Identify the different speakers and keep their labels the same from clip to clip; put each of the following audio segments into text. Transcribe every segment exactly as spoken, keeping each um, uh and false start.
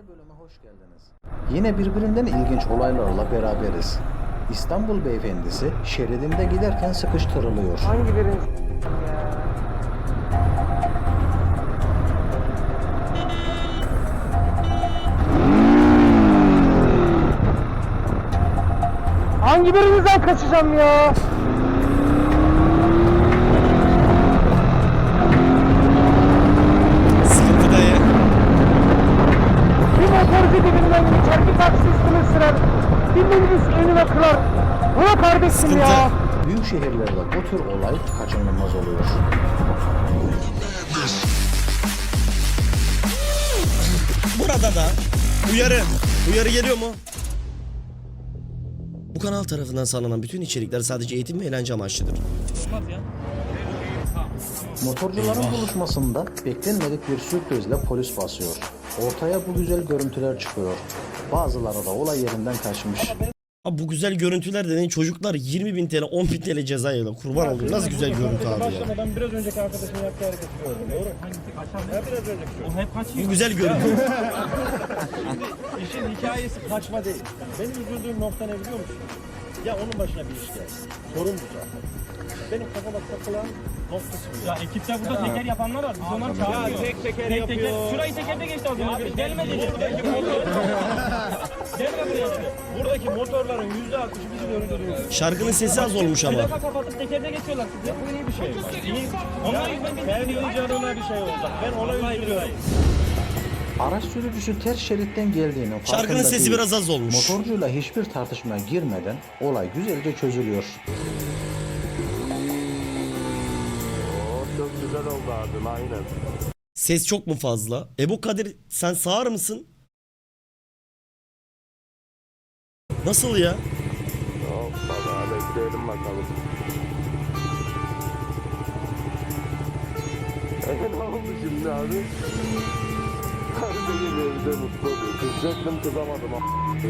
Speaker 1: Yeni bölüme hoş geldiniz. Yine birbirinden ilginç olaylarla beraberiz. İstanbul beyefendisi şeridinde giderken sıkıştırılıyor.
Speaker 2: Hangi birini? Hangi birinizden kaçacağım ya?
Speaker 3: Sıkıntı dayı.
Speaker 2: Bir motorcu dibinden geçer, bir taksi üstüne sürer, bir minibüs önüne kırar. Buna kardeşim
Speaker 3: Sıkıntı.
Speaker 2: ya.
Speaker 1: Büyük şehirlerde bu tür olay kaçınılmaz oluyor.
Speaker 3: Burada da uyarı. Uyarı geliyor mu? Bu kanal tarafından sağlanan bütün içerikler sadece eğitim ve eğlence amaçlıdır.
Speaker 1: Motorcuların buluşmasında beklenmedik bir sürprizle polis basıyor. Ortaya bu güzel görüntüler çıkıyor. Bazıları da olay yerinden kaçmış.
Speaker 3: Abi bu güzel görüntüler dediğin çocuklar yirmi bin TL on bin TL ceza yiyorlar. Kurban olayım. Nasıl güzel görüntü abi ya.
Speaker 4: Başlamadan biraz önceki arkadaşın yaptığı hareketi gördüm. Doğru. Ya biraz önceki şu. O hep kaçıyor.
Speaker 3: Bu güzel görüntü.
Speaker 4: İşin hikayesi kaçma değil. Benim üzüldüğüm nokta ne biliyor musun? Ya onun başına bir iş geldi. Sorun bu zaten. Benim kafama takılan noktası bu.
Speaker 5: Ya ekipte burada teker yapanlar var. Biz onları
Speaker 4: Ya
Speaker 5: çağırmıyoruz.
Speaker 4: tek teker
Speaker 5: Tek
Speaker 4: yapıyor.
Speaker 5: teker. Şurayı tekerde geçti az önce. Gelme dedi. Gelme buraya.
Speaker 4: Buradaki motorların yüzde altmışı bizi öldürüyor.
Speaker 3: Şarkının sesi az olmuş ama.
Speaker 5: Plaka kapatıp tekerde geçiyorlar.
Speaker 4: Ya bu iyi bir şey. İyi.
Speaker 5: Onlar yüzünden biz
Speaker 4: Kendi canına bir şey olacak. Ben ona üzülüyorum.
Speaker 1: Araç sürücüsü ters şeritten geldiğinin farkında
Speaker 3: Şarkının sesi
Speaker 1: değil.
Speaker 3: biraz az olmuş.
Speaker 1: Motorcuyla hiçbir tartışmaya girmeden olay güzelce çözülüyor.
Speaker 6: Çok güzel oldu abim, aynen.
Speaker 3: Ses çok mu fazla? Ebu Kadir sen sağır mısın? Nasıl ya?
Speaker 6: Hoppala, bekleyelim bakalım. E ne oldu şimdi abi? Her benim evde mutlu oluyor. Kızacaktım, kızamadım. a**.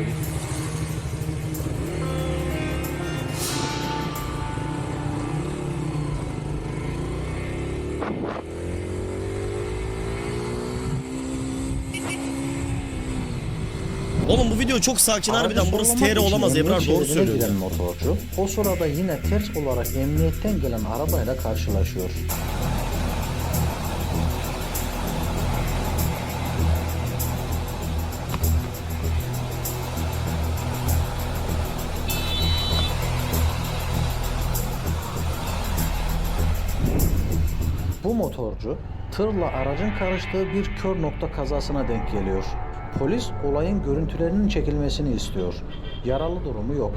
Speaker 3: Oğlum bu video çok sakin harbiden.
Speaker 1: Aracı
Speaker 3: Burası
Speaker 1: sollamak
Speaker 3: T R
Speaker 1: için
Speaker 3: olamaz
Speaker 1: emniyet
Speaker 3: Ebrar, doğru
Speaker 1: şeridine
Speaker 3: söylüyor.
Speaker 1: giden motorcu o sırada yine ters olarak emniyetten gelen arabayla karşılaşıyor. Bu motorcu tırla aracın karıştığı bir kör nokta kazasına denk geliyor. Polis olayın görüntülerinin çekilmesini istiyor. Yaralı durumu yok.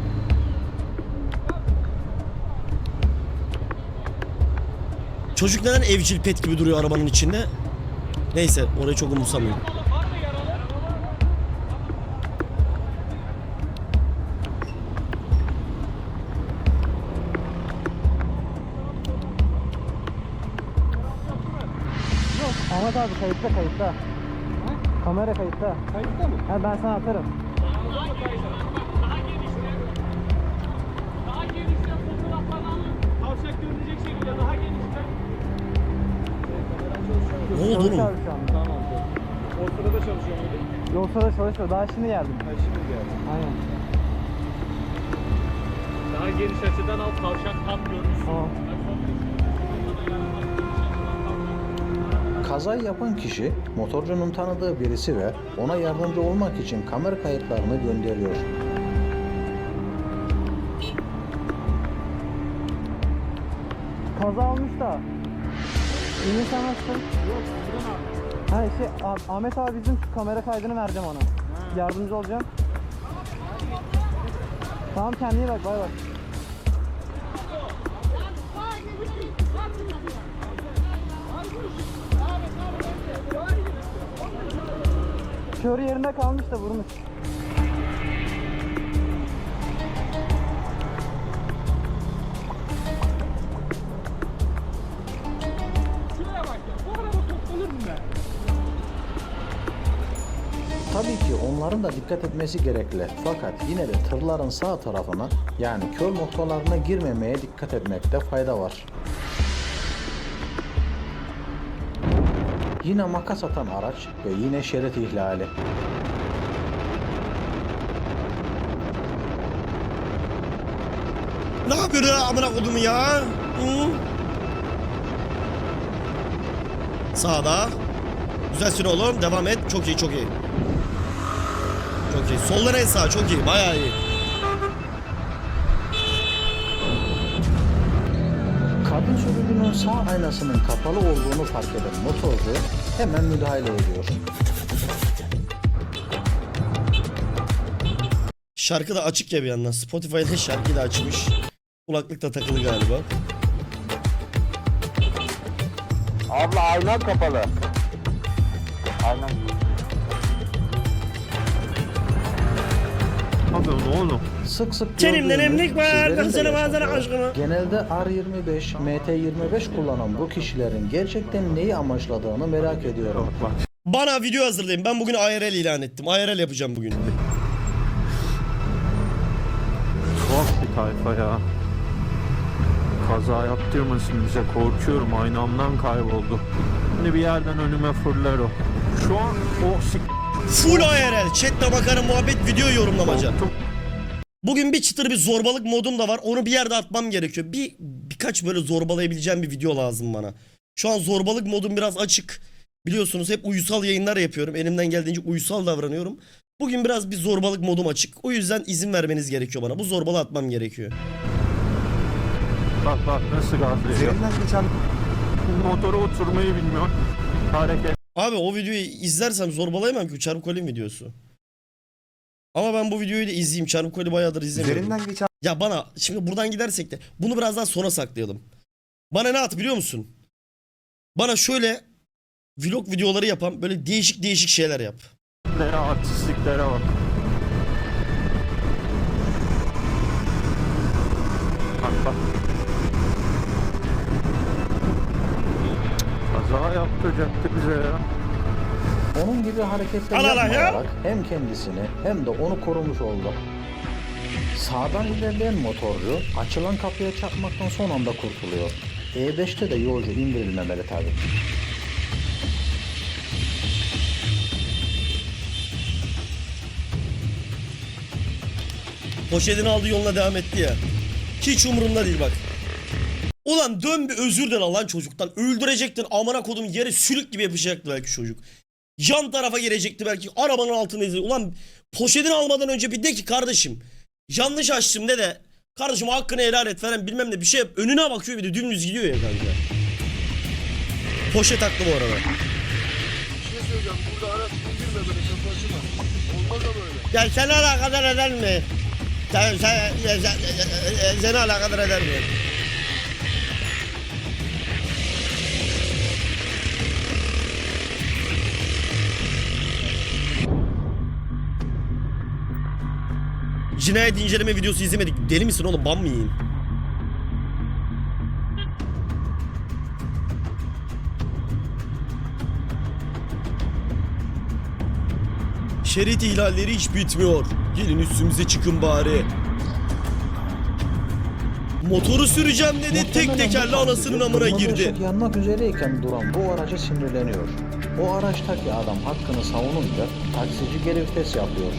Speaker 3: Çocuk neden evcil pet gibi duruyor arabanın içinde? Neyse orayı çok umursamıyorum.
Speaker 2: Yok, Ahmet abi kayıtta kayıtta. Kamera kayıtta. Kayıtta mı? Ha, ben sana atarım.
Speaker 5: Daha genişten fotoğraflarını alın. Tavşak görünecek şekilde daha genişten.
Speaker 3: Ne oldu
Speaker 2: Çalışıyor
Speaker 3: oğlum?
Speaker 2: abi şu anda.
Speaker 4: Tamam. O sırada çalışıyor muydu?
Speaker 2: Yoksa da çalışıyor. Daha şimdi geldim.
Speaker 4: Ha şimdi geldi.
Speaker 2: Aynen.
Speaker 5: Daha geniş açıdan al. Tavşak tam görünsün.
Speaker 2: Tamam.
Speaker 1: Kazayı yapan kişi motorcunun tanıdığı birisi ve ona yardımcı olmak için kamera kayıtlarını gönderiyor.
Speaker 2: Kaza olmuş da. İyi sen nasılsın? Yok, buradan abi. Ha şey, Ah- Ahmet abi bizim şu kamera kaydını vereceğim ona. Yardımcı olacağım. Tamam, kendine iyi bak, bay bay. Kör yerinde kalmış da vurmuş.
Speaker 5: Şuraya bak ya. Bu araba toplanır mı be?
Speaker 1: Tabii ki onların da dikkat etmesi gerekli. Fakat yine de tırların sağ tarafına yani kör noktalarına girmemeye dikkat etmekte fayda var. Yine makas atan araç ve yine şerit ihlali.
Speaker 3: Ne yapıyor ya amına kodumu ya? Hı? Sağda. Güzel süre oğlum. Devam et. Çok iyi, çok iyi. Çok iyi. Soldan en sağ. Çok iyi. Bayağı iyi.
Speaker 1: Kabin sürücünün sağ aynasının kapalı olduğunu fark eden motorcu hemen müdahale ediyor.
Speaker 3: Şarkı da açık ya bir yandan. Spotify'da şarkı da açmış. Kulaklık da takılı galiba.
Speaker 6: Abla ayna kapalı. Ayna.
Speaker 2: Abi ne oğlum?
Speaker 1: Sık sık
Speaker 3: Kendimden
Speaker 1: gördüğümüz,
Speaker 3: emlik var,
Speaker 1: sizlerin de
Speaker 3: kızını bazıları
Speaker 1: yaşadığı,
Speaker 3: aşkına.
Speaker 1: genelde R yirmi beş, M T yirmi beş kullanan bu kişilerin gerçekten neyi amaçladığını merak ediyorum.
Speaker 3: Bana video hazırlayın. Ben bugün I R L ilan ettim. I R L yapacağım bugün.
Speaker 7: Tuhaf bir tayfa ya. Kaza yaptırmasın bize, korkuyorum, aynamdan kayboldu. Şimdi bir yerden önüme fırlar o. Şu an o sik...
Speaker 3: Full I R L. Chat'te bakarım, muhabbet, video yorumlamaca.
Speaker 7: Korktum.
Speaker 3: Bugün bir çıtır bir zorbalık modum da var. Onu bir yerde atmam gerekiyor. Bir birkaç böyle zorbalayabileceğim bir video lazım bana. Şu an zorbalık modum biraz açık. Biliyorsunuz hep uysal yayınlar yapıyorum. Elimden geldiğince uysal davranıyorum. Bugün biraz bir zorbalık modum açık. O yüzden izin vermeniz gerekiyor bana. Bu zorbalığı atmam gerekiyor.
Speaker 7: Bak bak nasıl gazlıyor.
Speaker 6: Üzerinden geçen
Speaker 7: Motora oturmayı bilmiyor. Hareket.
Speaker 3: Abi o videoyu izlersem zorbalayamam ki. Çarpık Kolim videosu. Ama ben bu videoyu da izleyeyim. Çarpık Kolim bayağıdır izlemiyorum.
Speaker 6: üzerinden geçen
Speaker 3: Ya bana şimdi buradan gidersek de bunu biraz daha sona saklayalım. Bana ne at biliyor musun? Bana şöyle vlog videoları yapan böyle değişik değişik şeyler yap.
Speaker 7: Artistliklere bak. Bak bak. Kaza yaptıracaktı bize ya.
Speaker 1: Onun gibi hareketler
Speaker 3: Al, al, al ya.
Speaker 1: yapmayarak hem kendisini hem de onu korumuş oldu. Sağdan ilerleyen motorcu açılan kapıya çarpmaktan son anda kurtuluyor. E beşte de yolcu indirilmemeli tabii.
Speaker 3: Poşetini aldı, yoluna devam etti ya. Hiç umurumda değil bak. Ulan dön bir özür dile lan çocuktan. Öldürecektin, amına kodum, yere sülük gibi yapışacaktı belki çocuk. Yan tarafa girecekti belki, arabanın altında izledi. Ulan poşetini almadan önce bir de ki kardeşim yanlış açtım de de kardeşim hakkını helal et falan bilmem ne bir şey yap. Önüne bakıyor, bir de dümdüz gidiyor ya kanka. Poşet haklı bu arada.
Speaker 6: bir şey söyleyeceğim. Burada araç indirme böyle şapaşıma. Olmaz da böyle.
Speaker 3: Ya seni alakadar eder mi? Sen, sen, sen, sen, seni alakadar eder mi? Cinayet inceleme videosu izlemedik. Deli misin oğlum? Ban mı yiyeyim? Şerit ihlalleri hiç bitmiyor. Gelin üstümüze çıkın bari. Motoru süreceğim dedi, tek
Speaker 1: Muhtemelen
Speaker 3: tekerle
Speaker 1: bu
Speaker 3: anasının
Speaker 1: taksici
Speaker 3: amına
Speaker 1: kırmızı
Speaker 3: girdi.
Speaker 1: ışık yanmak üzereyken duran bu araca sinirleniyor. O araçtaki adam hakkını savununca taksici geri vites yapıyor.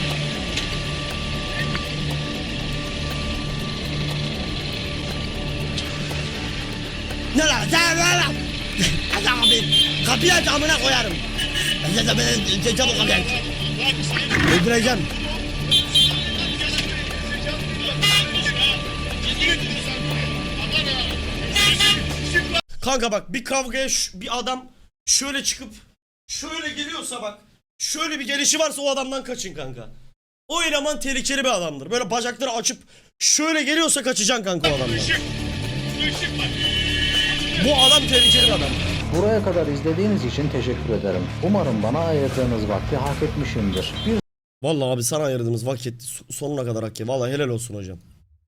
Speaker 3: Ne lan? Sen ne lan? Hadi abi. Kapıyı aç, amına koyarım. Çabuk kapıyı aç. Öldüreceğim. Kanka bak, bir kavgaya ş- bir adam şöyle çıkıp şöyle geliyorsa bak, şöyle bir gelişi varsa o adamdan kaçın kanka. O eleman tehlikeli bir adamdır. Böyle bacakları açıp şöyle geliyorsa kaçacaksın kanka o adamdan. Bu adam tehlikeli bir adam.
Speaker 1: Buraya kadar izlediğiniz için teşekkür ederim. Umarım bana ayırdığınız vakti hak etmişimdir. Bir
Speaker 3: Vallahi abi sana ayırdığımız vakit sonuna kadar hak ya. Vallahi helal olsun hocam.